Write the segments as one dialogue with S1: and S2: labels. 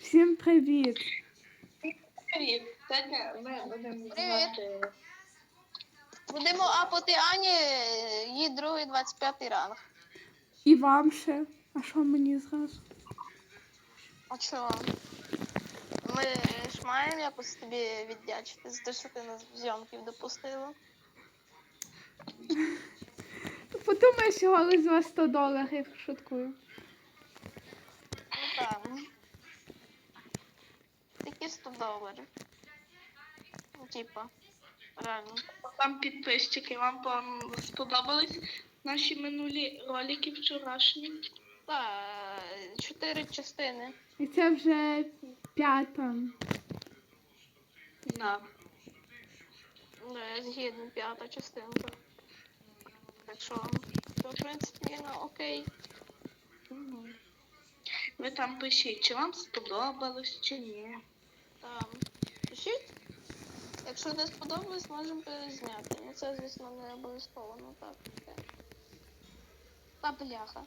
S1: Всім привіт!
S2: Привіт. Сьогодні ми будемо
S3: Привіт.
S2: знімати.
S3: Будемо апати Ані, її другий 25 ранг.
S1: І вам ще. А що мені зразу?
S3: А чого? Ми ж маємо якось тобі віддячити за те, що ти нас в зйомків допустила.
S1: Подумай, що голос за $100, шуткую.
S3: Ну так. Такі $100. Ну, типа, реально.
S2: Там підписчики. Вам сподобались наші минулі ролики вчорашні?
S3: Так, 4 частини.
S1: І це вже 5-та.
S2: Да.
S3: Я згідно 5-та частинка. Так що, то, в принципі, ну окей.
S2: Угу. Ви там пишіть, чи вам сподобалось, чи ні.
S3: Там. Пишіть. Якщо не сподобалось, можемо перезняти. Ну це, звісно, не обов'язково, ну так. таке. Та бляха.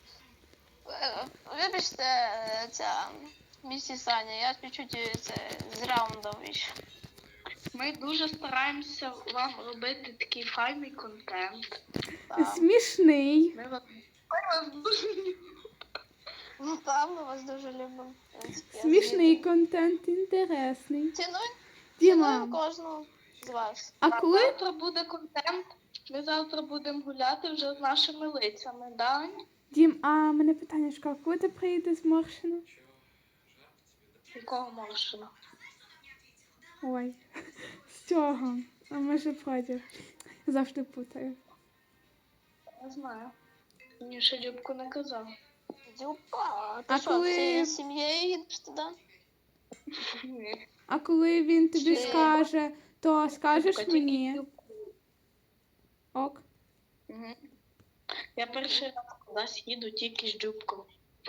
S3: Вибачте, ця місіс Аня, я чуть-чуть це з раундом вийшов.
S2: Ми дуже стараємося вам робити такий файний контент.
S3: Там.
S1: Смішний.
S2: Ми вас дуже любимо.
S3: Ну там ми вас дуже любимо. В принципі, я
S1: Смішний
S3: згідна.
S1: контент, інтересний.
S3: Цінуємо
S1: Діма,
S3: кожного з вас.
S1: а коли...
S2: Завтра буде контент. Ми завтра будемо гуляти вже з нашими лицями, да?
S1: Дім, а мене питання, а коли ти приїдеш з Моршина?
S2: Якого Моршина?
S1: Ой, з цього. А може проти. Завжди путаю.
S2: Не знаю. Мені ще Любко не казав.
S3: Дюпа, ти
S1: А
S3: що,
S1: коли-
S3: всією сім'єю їдеш туди?
S2: Ні.
S1: А коли він тобі
S3: Ще-
S1: скаже, то скажеш
S2: Тільки
S1: мені?
S2: Любку.
S1: Ок.
S2: Мгм. Я перший раз кудись їду тільки з Любком.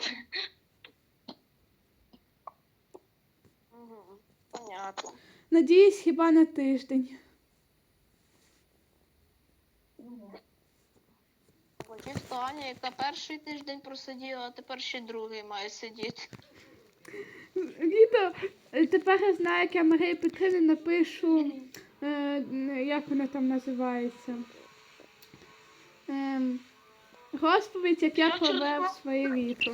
S3: Понятно.
S1: Надіюсь, хіба на тиждень.
S3: Хотів то Аня, яка перший тиждень просиділа, а тепер ще другий має сидіти.
S1: Відео. Тепер я знаю, як я Марії Петрівні напишу, як вона там називається. Розповідь, як я провев своє літо.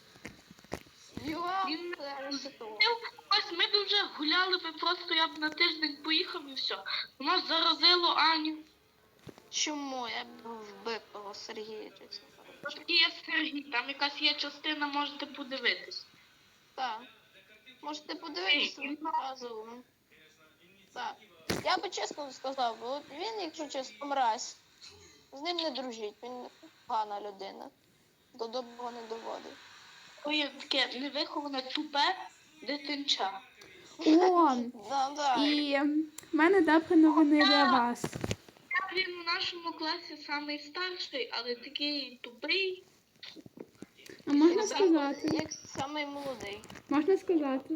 S2: Він ось ми б вже гуляли би, просто я б на тиждень поїхав і все. Воно ж заразило Аню.
S3: Чому? Я б вбив того Сергія, чесно кажучи.
S2: Тут є Сергій, там якась є частина, можете подивитись.
S3: Так. Можете подивитися одразу. Так. Я би чесно сказав, бо от він, якщо чесно, мразь. З ним не дружіть, він погана людина. До доброго не доводить.
S2: То є таке невиховане тупе дитинча.
S1: О,
S3: Да.
S1: і в мене добрі новини для вас.
S2: Він у нашому класі самий старший, але такий тупий.
S1: А можна сказати?
S3: Як самий молодий.
S1: Можна сказати?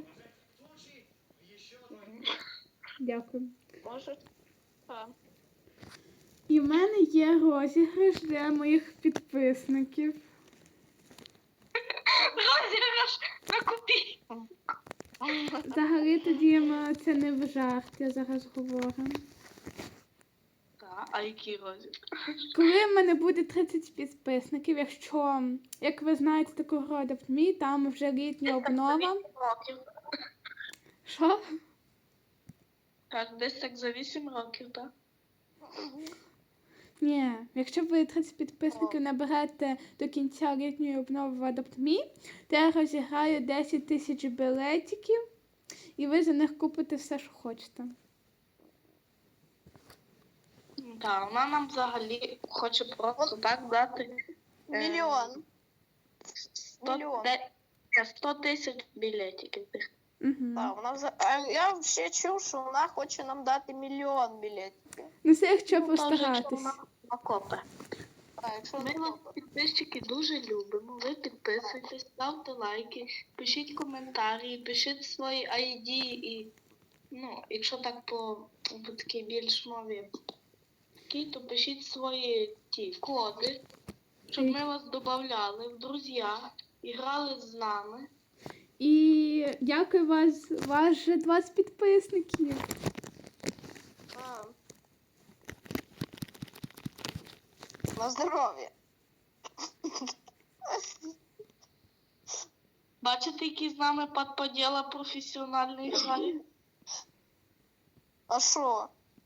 S1: Дякую.
S3: Може? Так.
S1: І в мене є розіграш для моїх підписників.
S2: Розіграш на копійку.
S1: Взагалі тоді це не в жарт, я зараз говорю.
S2: Так, а який розіграш?
S1: Коли в мене буде 30 підписників, якщо, як ви знаєте, таку гру Adopt Me, там вже літня обнова.
S2: Років.
S1: Що?
S2: Так, десь так за 8 років, так?
S1: Ні, якщо ви 30 підписників наберете до кінця літньої обнови в Adopt Me, то я розіграю 10 тисяч білетиків, і ви за них купите все, що хочете.
S2: Так, вона нам взагалі хоче просто так дати
S3: Мільйон.
S2: 100,
S3: Мільйон.
S2: 100 тисяч білетиків.
S1: Угу.
S3: Так, я ще чув, що вона хоче нам дати мільйон білетів.
S1: Ну це якщо
S2: Ну, то вже
S1: постаратись.
S2: вона накопе.
S3: Так, якщо
S2: Ми вас, підписчики, дуже любимо. Ви підписуйтесь, ставте лайки, пишіть коментарі, пишіть свої ID і, ну, якщо так по такій більш мові, такій, то пишіть свої ті коди, щоб ми вас додавали в друзі і грали з нами.
S1: І Дякую вас вже 20 підписників.
S3: А. На здоров'я.
S2: Бачите, який з нами подподіла професіональний грає?
S3: А що?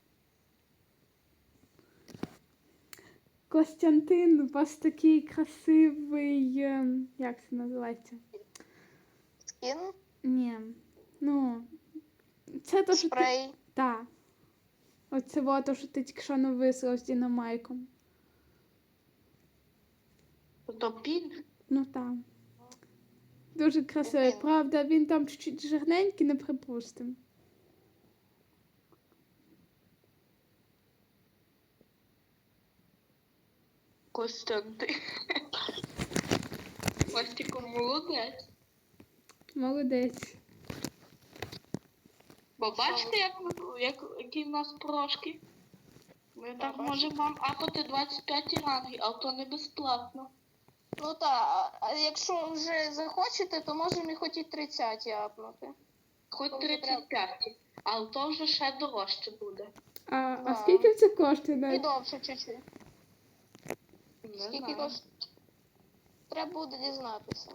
S1: Костянтин, у вас такий красивий. Як це називається?
S3: Скін?
S1: Ні. Ну. Це то, що ти.
S3: Спрей?
S1: Так. Оце во то, що ти тільки що не вислав з Дінамайком.
S2: То пін.
S1: Ну там. Дуже красивий.
S3: Він.
S1: Правда, він там чуть-чуть жирненький, не припустим.
S2: Костянтин. Костіку молодець.
S1: Молодець.
S2: Бо бачите, які в нас прошки? Ми так можемо вам апати 25 рангів, але то не безплатно.
S3: Ну так, а якщо вже захочете, то можемо і хоч і 30 апнути.
S2: Хоч 35, але то вже ще дорожче буде.
S1: А
S3: Да.
S1: скільки це коштує?
S3: І
S1: навіть?
S3: довше чуть-чуть.
S2: Не
S3: Скільки
S2: знаю.
S3: коштує? Треба буде дізнатися.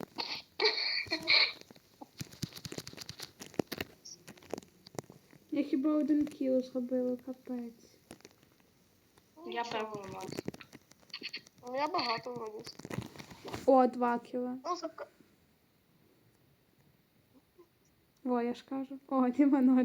S1: Я хіба 1 кіло зробила, капець.
S2: Я певно у нас.
S3: Ну, я багато вроді.
S1: О, 2 кіло.
S3: Ну,
S1: О, я ж кажу. О, Діма 0.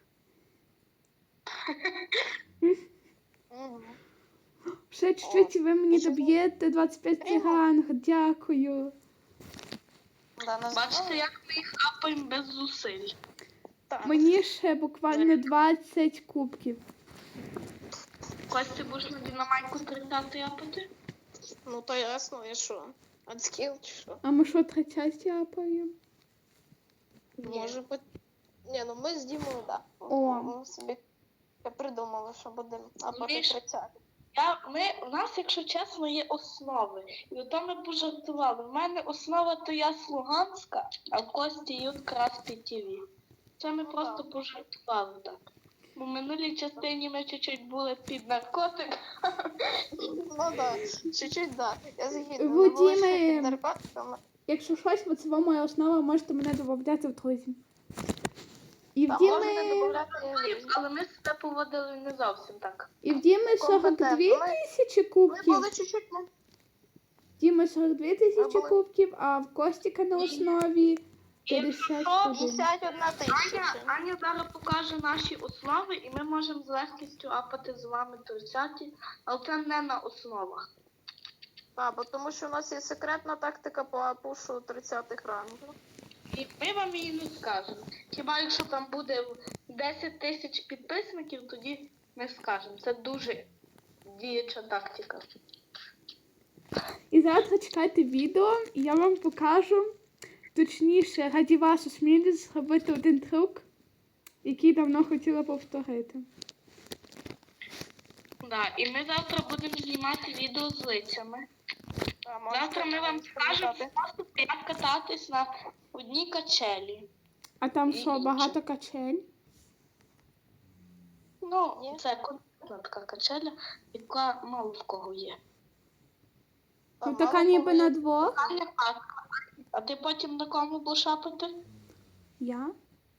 S3: Мгм.
S1: Ще чуть-чуть і ви мені
S3: і ще
S1: доб'єте 25
S3: Прямо.
S1: ранг. Дякую.
S3: Да, на
S2: Бачите,
S3: здоров'я.
S2: як ми їх апаємо без зусиль.
S3: Так.
S1: Мені ще буквально 20 кубків.
S2: Костя, будеш на Дінамайку 30 апати?
S3: Ну, то ясно, і що? Адскіл чи що?
S1: А ми що, 30 апаємо?
S3: Може бути. Ні, ну ми з Дімою, так.
S1: О.
S3: Ми собі придумали, що будемо апати
S2: Міш.
S3: 30.
S2: У нас, якщо чесно, є основи. І ото ми пожартували. У мене основа то я з Луганська, а в Кості якраз ТВ. Це ми просто пожартували так. Бо в минулій частині ми чуть-чуть були під наркотик.
S3: Ну так, чуть-чуть, так. Я згідна.
S1: Вадиме.
S3: Ну, були ще під наркотиками.
S1: Якщо щось, бо це моя основа, можете мене додати в друзі. І в
S3: Та можете
S1: Діми,
S3: додати
S2: Але ми себе поводили не зовсім так.
S1: і в Діми 42
S3: компетентно.
S1: тисячі
S3: Ми
S1: кубків.
S3: були чуть-чуть, ну,
S1: Діма 42 тисячі
S3: були-
S1: кубків, а в Костіка на основі 51.
S3: 51 тисяча.
S2: Аня зараз покаже наші основи, і ми можемо з легкістю апати з вами 30, але це не на основах.
S3: Так, бо тому що у нас є секретна тактика по пушу 30-х рангів.
S2: І ми вам її не скажемо. Хіба якщо там буде 10 тисяч підписників, тоді ми скажемо. Це дуже діюча тактика.
S1: І завтра чекайте відео, і я вам покажу, точніше, раді вашу смілість зробити один трюк, який давно хотіла повторити.
S2: Да, і ми завтра будемо знімати відео з лицями.
S3: А, можете
S2: Завтра ми вам скажемо
S3: запам'ятати.
S2: просто, як кататись на одній качелі.
S1: А там
S2: І
S1: що,
S2: інше.
S1: багато качель?
S2: Ну,
S3: Ні.
S2: це конкретна така качеля, яка мало в кого є.
S1: Ну
S3: Там
S1: така
S3: мало
S1: ніби
S3: кого
S1: на
S3: є.
S1: двох.
S2: А не так. А ти потім на кому будеш апати?
S1: Я?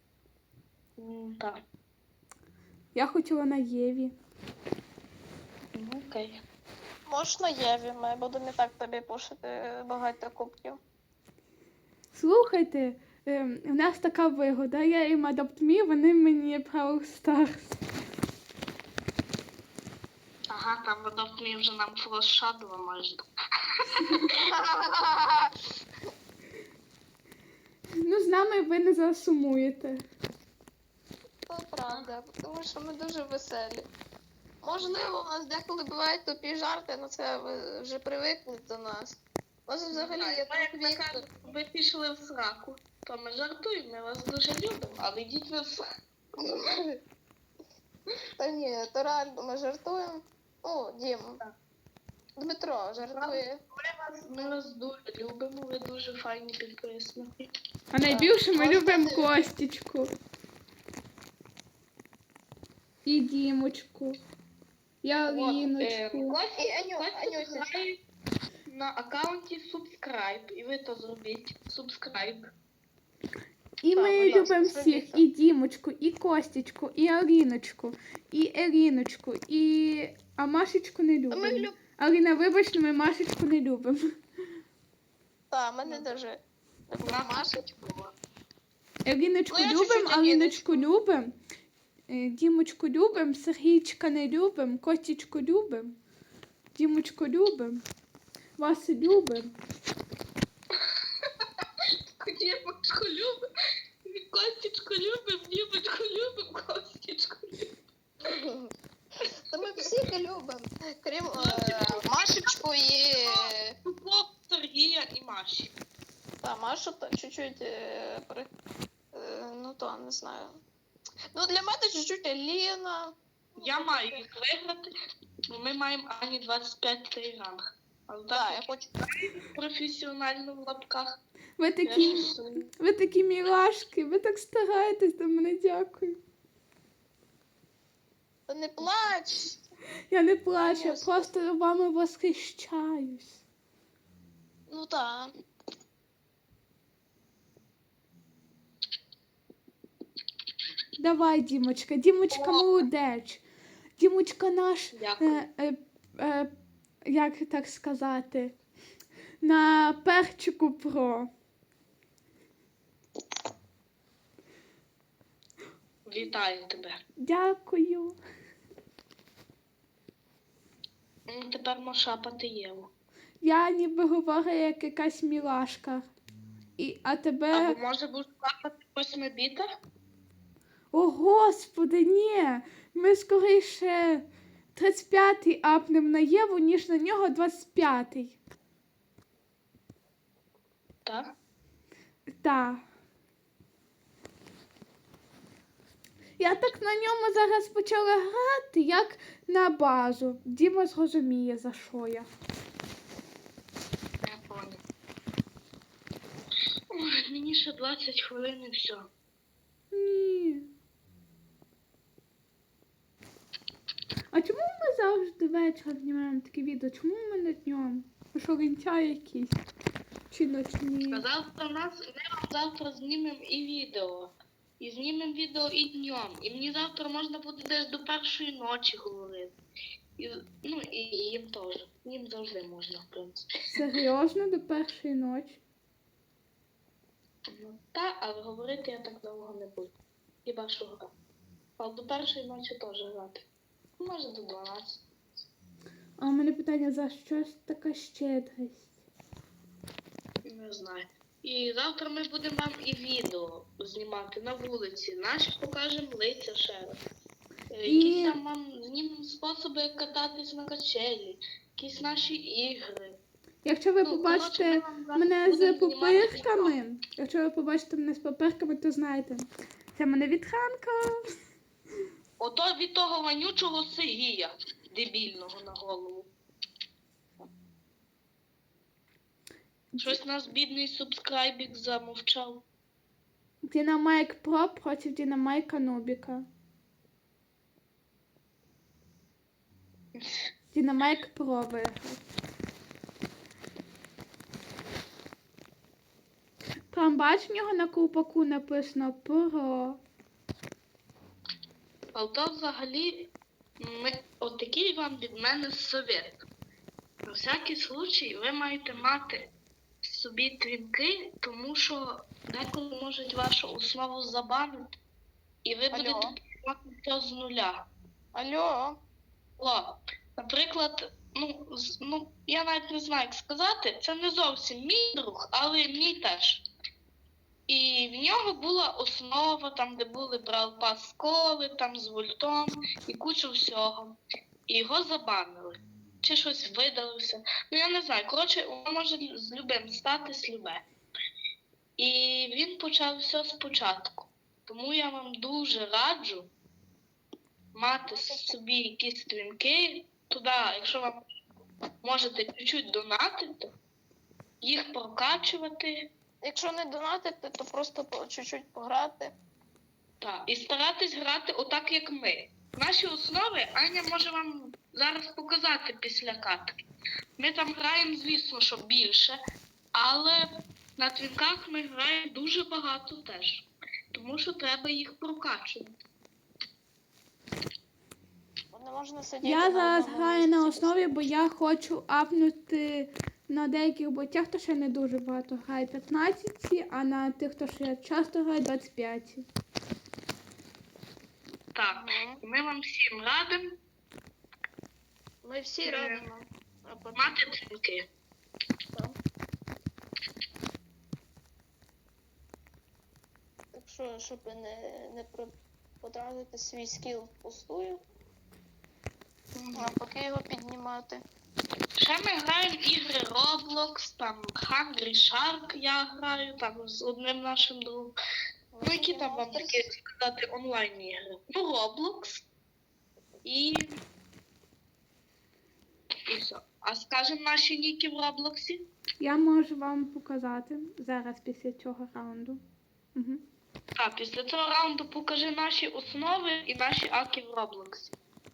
S2: Так.
S1: Я хотіла на Єві.
S2: Ну, окей.
S3: Можна Єві, ми будемо і так тобі пушити багато кубків.
S1: Слухайте, в нас така вигода, я їм AdoptMe, вони мені Brawl Stars.
S2: Ага, там водопні вже нам флеш-шадова майже.
S1: Ну, з нами ви не засумуєте.
S3: Це правда, тому що ми дуже веселі. Можливо, у нас деколи бувають тупі жарти, але це ви вже привикнуть до нас. У нас взагалі є
S2: Ми, як
S3: Віктор.
S2: кажуть, ви пішли в сраку, то ми жартуємо, ми вас дуже любимо, але йдіть ви в сраку.
S3: Та ні, то реально ми жартуємо. О, Дім. Дмитро, жартує.
S2: Ми вас дуже любимо, ви дуже файні підписники.
S1: А найбільше ми
S3: можете
S1: любимо
S3: дивитися.
S1: Костічку. І Дімочку. І Аліночку.
S3: І Анюся.
S2: Грає на аккаунті Subscribe, і ви то зробіть. Subscribe.
S1: І
S3: Так,
S1: ми
S3: будь ласка,
S1: любимо
S3: зробіть
S1: всіх.
S3: це.
S1: І Дімочку, і Костічку, і Аліночку, і Еліночку, і... А Машечку не любимо.
S3: Ми любимо.
S1: Аліна, вибач, ми Машечку не любимо.
S3: Так, мене дуже. Машечку.
S1: Еліночку
S3: Ну, я
S1: любимо,
S3: чуть-чуть
S1: Аліночку любимо. Дімочку любимо, Сергійчика не любимо, Костічку любимо, Дімочку любимо, вас любимо.
S2: Дімочку любимо, Костічку любимо, Дімочку любимо, Костічку любимо.
S3: Та ми всіх любимо. Крім Машечку і...
S2: Тупо Сергія і Маші.
S3: Та, Машу чуть-чуть ну то, не знаю. Ну, для мене чуть-чуть Аліна.
S2: Я маю їх виграти, бо ми маємо Ані 25 ранг. Але
S3: Так,
S2: так,
S3: я хочу.
S2: професіонально в лапках.
S1: Ви
S2: Я
S1: такі,
S2: рисую.
S1: ви такі мілашки, ви так стараєтесь до мене, дякую.
S3: Та не плач.
S1: Я не плачу, я
S3: Конечно.
S1: просто вами восхищаюсь.
S3: Ну так.
S1: Давай, Дімочка, Дімочка молодець. Дімочка наш,
S2: Дякую.
S1: як так сказати, на перчику про.
S2: Вітаю тебе.
S1: Дякую.
S2: Тепер можеш шапати Єву.
S1: Я ніби говорю як якась мілашка. А тебе...
S2: Або може будеш шапати 8-біта?
S1: О, Господи, ні! Ми скоріше 35-й апнем на Єву, ніж на нього 25-й.
S2: Так?
S1: Так. Я так на ньому зараз почала грати, як на базу. Діма зрозуміє, за що я.
S2: Я понял. Ой, мені ще 20 хвилин і все.
S1: Ні. А чому ми завжди ввечері знімаємо такі відео? Чому ми не днем? Ви що, лентяї якісь? Чи ночні?
S2: А завтра ми вам завтра знімемо і відео. І знімемо відео і днем. І мені завтра можна буде десь до першої ночі говорити. І, ну, і їм теж. Їм завжди можна, в принципі.
S1: Серйозно, до першої ночі?
S2: Ну, та, але говорити я так довго не буду. Хіба що грати. Але до першої ночі теж грати. Може до 12.
S1: А у мене питання, за щось така щедрість?
S2: Не знаю. І завтра ми будемо вам і відео знімати на вулиці. Наші покажемо лиця ще раз. Якісь там вам знімемо способи, як кататись на качелі, якісь наші ігри.
S1: Якщо ви
S2: Ну,
S1: побачите
S2: коротше, ми вам зараз
S1: мене з
S2: будемо знімати
S1: папирками, якщо ви побачите мене з папирками, то знаєте, це мене вітханка.
S2: Ото від того вонючого Сигія, дебільного на голову. Щось наш бідний субскрайбік замовчав.
S1: Динамайк Про проти Динамайка Нубіка. Динамайк Про виграв. Там бач, в нього на ковпаку написано Про.
S2: А то взагалі, отакий вам від мене совет. На всякий случай ви маєте мати собі твінки, тому що деколи можуть вашу основу забанити, і ви будете починати все з нуля.
S3: Алло.
S2: О, наприклад, я навіть не знаю, як сказати, це не зовсім мій друг, але мій теж. І в нього була основа, там, де були брав пас коли, там з вольтом і кучу всього. І його забанили. Чи щось видалося. Ну, я не знаю. Коротше, воно може з любим статись любе. І він почав все спочатку. Тому я вам дуже раджу мати собі якісь стрімки туди, якщо вам можете чуть-чуть донатити, їх прокачувати.
S3: Якщо не донатити, то просто чуть-чуть пограти.
S2: Так, і старатись грати отак, як ми. Наші основи Аня може вам зараз показати після катки. Ми там граємо, звісно, що більше, але на твінках ми граємо дуже багато теж. Тому що треба їх прокачувати.
S3: Бо не можна сидіти
S1: Я
S3: на
S1: зараз
S3: одному
S1: граю на
S3: місці.
S1: основі, бо я хочу апнути на деяких ботях, хто ще не дуже багато грає 15, а на тих, хто ще часто грає 25.
S2: Так,
S3: Мгм.
S2: і ми вам всім радимо
S3: Ми всі радимо. А потім
S2: мати твінки.
S3: там. Так що, щоб не потратити свій скіл впустую, а поки його піднімати.
S2: Ще ми граємо ігри Roblox, там Hungry Shark я граю, там з одним нашим другом. Ну, які там вам такі сказати онлайн ігри? Ну, Roblox і все. А скажемо наші ніки в Роблоксі?
S1: Я можу вам показати зараз після цього раунду. Угу.
S2: Так, після цього раунду покажи наші основи і наші аки в Роблоксі.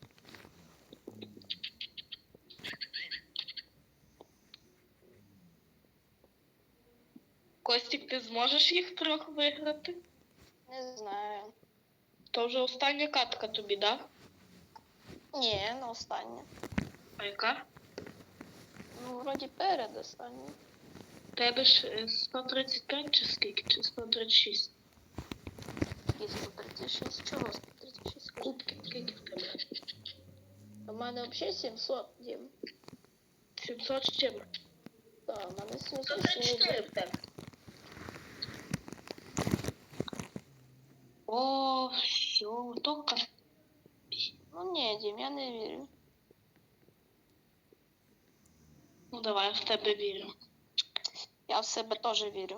S2: Костік, ти зможеш їх трьох виграти?
S3: Не знаю.
S2: То вже остання катка тобі, так?
S3: Ні, не остання.
S2: А яка?
S3: Ну, вроді перед останньою.
S2: Тебе ж 135 чи скільки? Чи 136?
S3: Які 136? Чого 136?
S2: Кубки, скільки в тебе?
S3: У мене взагалі 700, Дім.
S2: 700 з чим?
S3: Так, у мене 700.
S2: 134 в тебе. О, все, только.
S3: Ну ні, Дім, я не вірю.
S2: Ну давай, я в тебе вірю.
S3: Я в себе теж вірю.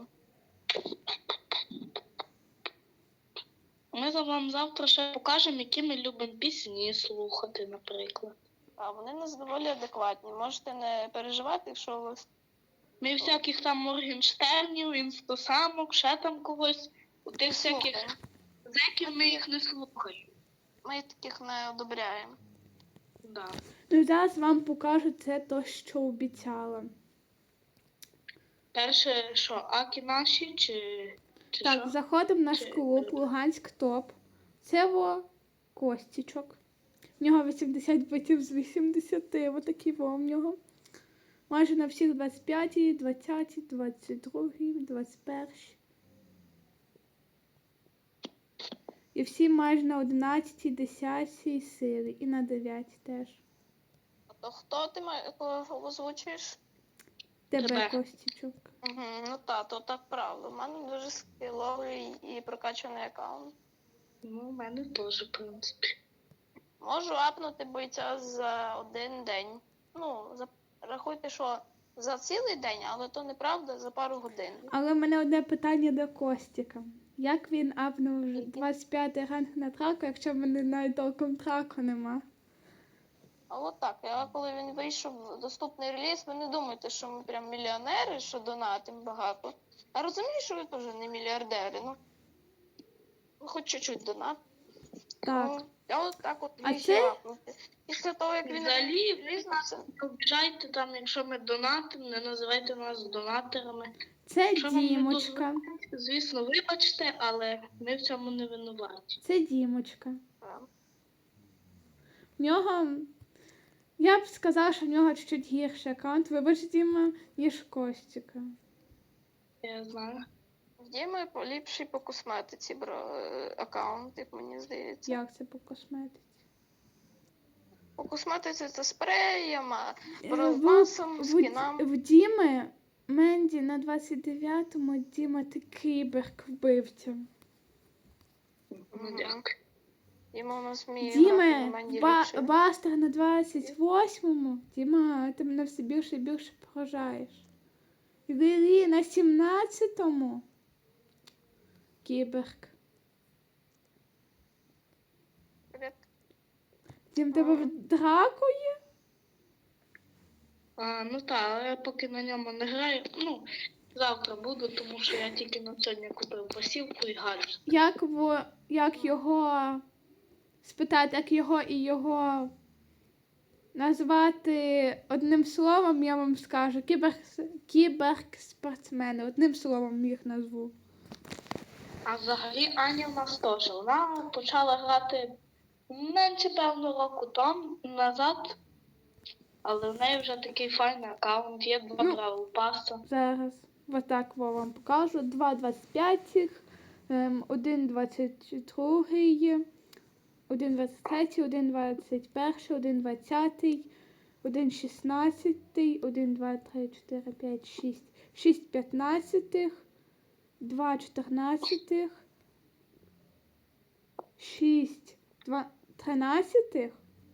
S2: Ми вам завтра ще покажемо, які ми любимо пісні слухати, наприклад.
S3: А вони у нас доволі адекватні. Можете не переживати, якщо ви...
S2: Ми всяких там Моргенштернів, інстасамок, ще там когось. У тих всяких
S3: слухаємо.
S2: зеків ми їх не слухаємо.
S3: Ми таких не одобряємо.
S2: Да.
S1: Ну, зараз вам покажу це то, що обіцяла.
S2: Перше, що, аки наші чи
S1: Так,
S2: що?
S1: заходимо в наш
S2: Чи-
S1: клуб Луганськ Топ. Це Костічок. В нього 80 битів з 80, отакі в нього. Майже на всіх 25, 20, 22, 21. І всі майже на 11, 10 силі. І на 9 теж.
S3: А то хто ти кого озвучуєш?
S1: Тебе,
S2: Тебе.
S1: Костічок.
S3: Угу, ну то так правда. У мене дуже скіловий і прокачаний аккаунт.
S2: Ну, у мене теж, в принципі.
S3: Можу апнути бойця за один день. Ну, рахуйте, що за цілий день, але то неправда, за пару годин.
S1: Але в мене одне питання до Костіка. Як він апнув 25 ранг на траку, якщо в мене навіть толком траку нема?
S3: А от так, коли він вийшов в доступний реліз, ви не думайте, що ми прям мільйонери, що донатимо багато. А розумію, що ви теж не мільярдери, ну. Ви хоч чуть-чуть донат.
S1: Так.
S3: Ну, я от так от
S1: А
S3: вийшов
S1: це-
S3: апнути. Після того, як він
S2: Взагалі,
S3: реліз на це.
S2: Не обіжайте там, якщо ми донатимо, не називайте нас донаторами.
S1: Це
S2: Що вам не
S1: Дімочка.
S2: Звісно, вибачте, але ми в цьому не винуваті.
S1: Це Дімочка. В нього. Я б сказала, що в нього чуть гірший аккаунт, вибач, Діма, ніж Костіка.
S2: Я знаю.
S3: В Діми поліпший по косметиці аккаунт, як мені здається.
S1: Як це по косметиці?
S3: По косметиці це спреєм,
S1: Е,
S3: бронзом, скінам.
S1: В Діми Менді на 29-му Діма такий вбивця.
S2: Ну, дякую.
S3: Діма у нас вміє
S1: Діма,
S3: грати на Менді ліпше.
S1: Бастер на 28-му. Діма, ти мене все більше і більше поражаєш. Лілі на 17-му. Кіберг.
S3: Привіт.
S1: Дім, тебе в драку є?
S2: Ну так, але я поки на ньому не граю. Ну, завтра буду, тому що я тільки на сьогодні купив посівку і гаджет.
S1: Як його спитати, як його і його назвати одним словом, я вам скажу. Кіберспортсмени. Одним словом їх назву.
S2: А взагалі Аня в нас теж. Вона почала грати менше певно року тому назад, але в неї вже такий файний аккаунт, є 2
S1: Ну,
S2: Бравл Паса.
S1: Зараз отак вам покажу. 2,25, 1,22, 1,23, 1,21, 1,20, 1,16, 1, 2, 3, 4, 5, 6. 6 15, 2 14, 6 13.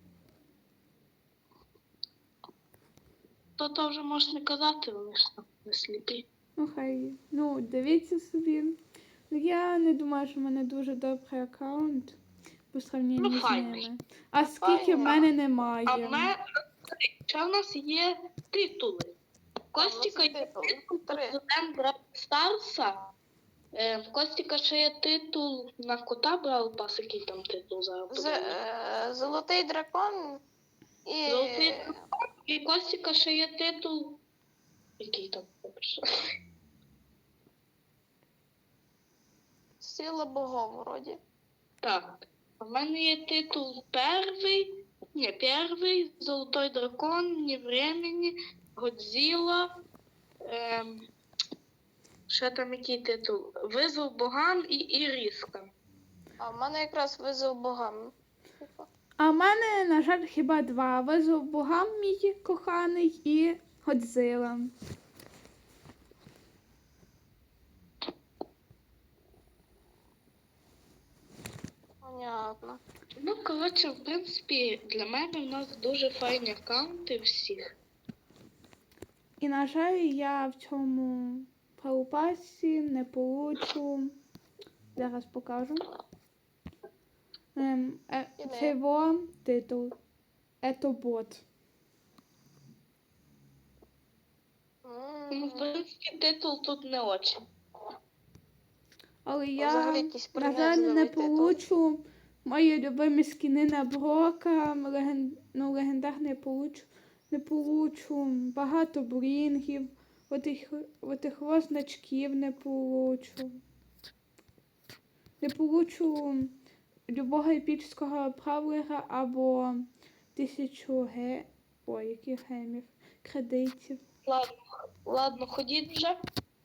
S2: То вже можеш не казати, вони ж там не сліпі.
S1: Ну, хай. Ну, дивіться собі. Ну, я не думаю, що в мене дуже добрий аккаунт по сравненню з
S2: файний.
S1: ними. А скільки в мене немає.
S2: А в мене ще в нас є титули. Костіка є титул президент Бравл Старса. В Костіка ще є титул на кота Бравл Пас, який там титул зараз. подивимось.
S3: Золотий дракон і
S2: Золотий І Костіка ще є титул. Який там?
S3: сила богов вроді.
S2: Так. А в мене є титул перший, Золотой дракон, Вне времени, Годзіла. Ще там який титул? Визов богам і Іріска.
S3: А в мене якраз визов богам.
S1: А в мене, на жаль, хіба 2. Визов богам мій коханий і Годзила.
S3: Понятно.
S2: Ну, коротше, в принципі, для мене в нас дуже файні аккаунти всіх.
S1: І, на жаль, я в цьому паупасі не получу. Зараз покажу. Це його титул. Ето бот.
S2: Ну, в принципі, титул тут не очень.
S1: Але
S3: Взагалі
S1: я,
S3: якийсь
S1: на жаль,
S3: принизливий
S1: не
S3: титул.
S1: получу мої любимі скіни на Брока, легендарний не получу, багато брінгів, отих значків не получу. Не получу любого епічного бравлера або 1000 яких гемів, кредитів.
S2: Ладно, ходіть вже.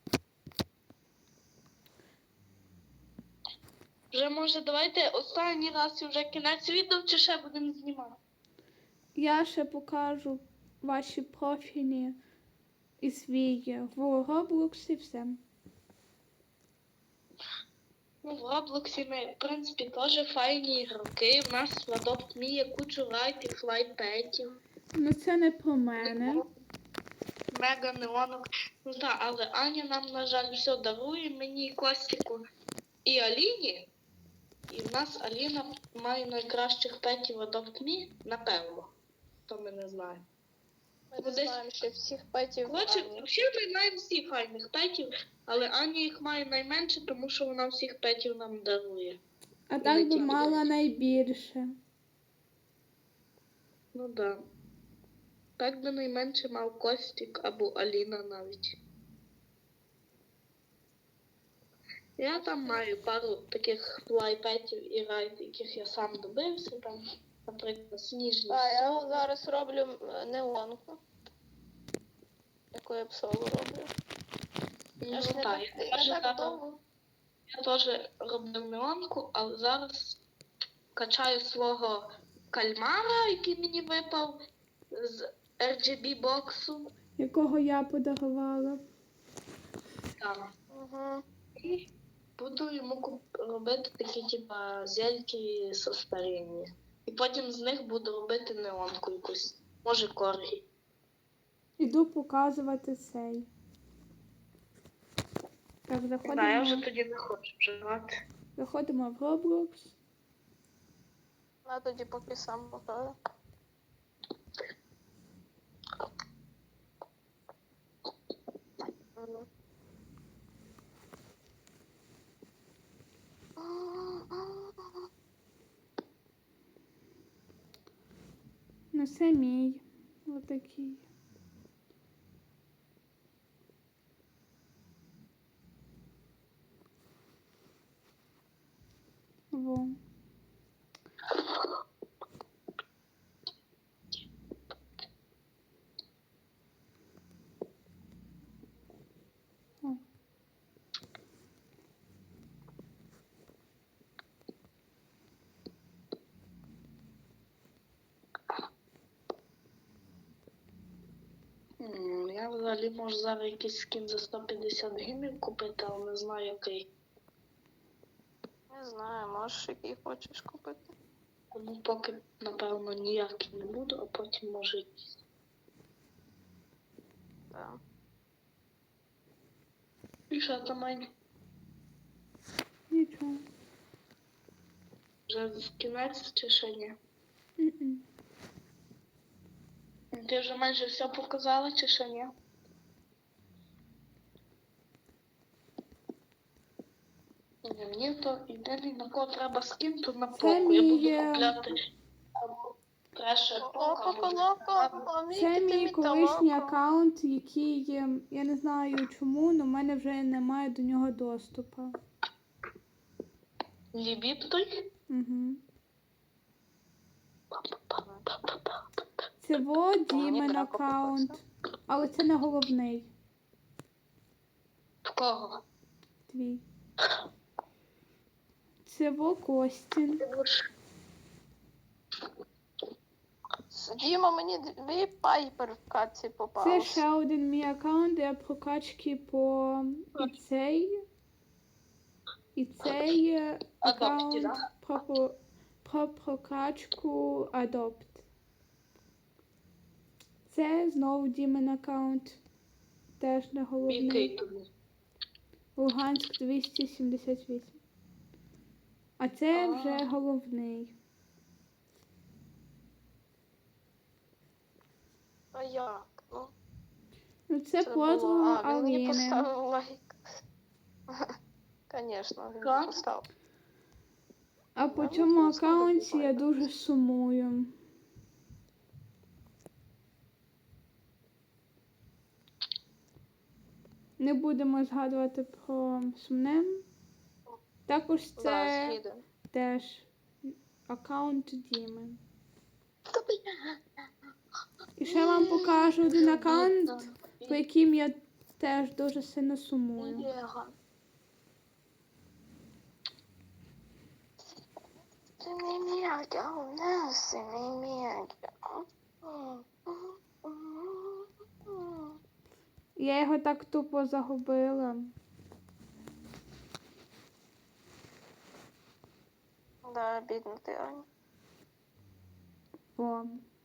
S2: Вже, може, давайте останній раз і вже кінець відео, чи ще будемо знімати?
S1: Я ще покажу ваші профілі і свій в Роблоксі, все.
S2: Ну, в Роблоксі ми, в принципі, теж файні ігроки. У нас в Adopt Me є кучу лайків, флайпетів,
S1: Ну це не про мене.
S2: мега неонок. Ну так, але Аня нам, на жаль, все дарує, мені, Костіку і Аліні. І в нас Аліна має найкращих петів в Adopt Me, напевно. То ми не знаємо.
S3: Ми не
S2: Десь-
S3: знаємо ще всіх петів.
S2: Коротше,
S3: Ані.
S2: взагалі ми маємо всі файних петів, але Аня їх має найменше, тому що вона всіх петів нам дарує.
S1: А так би
S2: тільки
S1: мала найбільше.
S2: Ну да. Так би найменше мав Костік або Аліна навіть. Я там маю пару таких флайпетів і райд, яких я сам добився, там, наприклад, сніжні.
S3: А я зараз роблю неонку. Яку я псову роблю.
S2: Ну,
S3: Я ж не
S2: так,
S3: так, я так довго.
S2: я теж робив неонку, але зараз качаю свого кальмара, який мені випав з RGB боксу.
S1: Якого я подарувала.
S2: Там.
S3: Угу.
S2: І буду йому робити такі, типа, зельки со старіння. І потім з них буду робити неонку якусь. Може, коргі.
S1: Іду показувати цей. Так,
S2: Да, я вже тоді не хочу вживати.
S1: заходимо в Roblox.
S3: На тоді поки сам покажу.
S1: Ну, це мій. Отакий. Во. О.
S2: Я взагалі можу зараз якийсь скін за 150 гривень купити, але не знаю який.
S3: Не знаю, можеш який хочеш купити.
S2: Тому поки, напевно, ніякий не буду, а потім може якийсь.
S3: Так.
S2: І що там, Ань?
S1: Нічого.
S2: Вже кінець чи ще ні?
S1: М-м.
S2: Ти вже майже все показала чи ще ні? Ні, то єдиний, на кого треба скін, то на
S1: Це
S2: поку. Я буду
S1: мій,
S2: купляти або треше пока.
S1: Це мій колишній аккаунт, який, я не знаю чому, але в мене вже немає до нього доступу.
S2: Лібіп той?
S1: Угу. Це во Дімен
S3: Драко
S1: аккаунт, але це не головний
S2: В кого?
S1: твій. Це во Костін.
S3: Діма, мені дві пайпер в катці
S1: Це
S3: попалось.
S1: ще один мій аккаунт, де я прокачки по і цей
S2: Адопті,
S1: аккаунт про прокачку Adopt. Це знову Дімен аккаунт. Теж не головний.
S2: Який тобі?
S1: Луганськ 278. А це
S2: А.
S1: вже головний.
S3: А як? Ну,
S1: Ну це
S3: було.
S1: подруга
S3: А, він мені
S1: Аліни.
S3: поставив лайк. Звісно, він
S2: Так.
S3: поставив.
S1: А по
S3: Ну,
S1: цьому
S3: ну, слава
S1: аккаунті
S3: Богу.
S1: я дуже сумую. Не будемо згадувати про сумне. Також
S3: Да,
S1: це
S3: згідно.
S1: теж аккаунт Діми. І ще вам покажу один аккаунт, по яким я теж дуже сильно сумую.
S3: Ти мій м'яка, у нас мій м'яка.
S1: Я його так тупо загубила.
S3: Да, бідно ти, Аня.
S1: Бо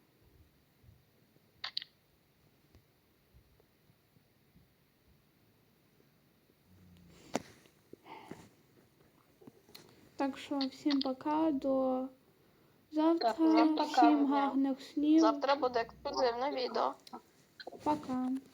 S1: так що всім пока, до завтра.
S2: Так, всім пока.
S1: Всім гарних снів.
S3: Завтра буде ексклюзивне відео.
S1: Пока.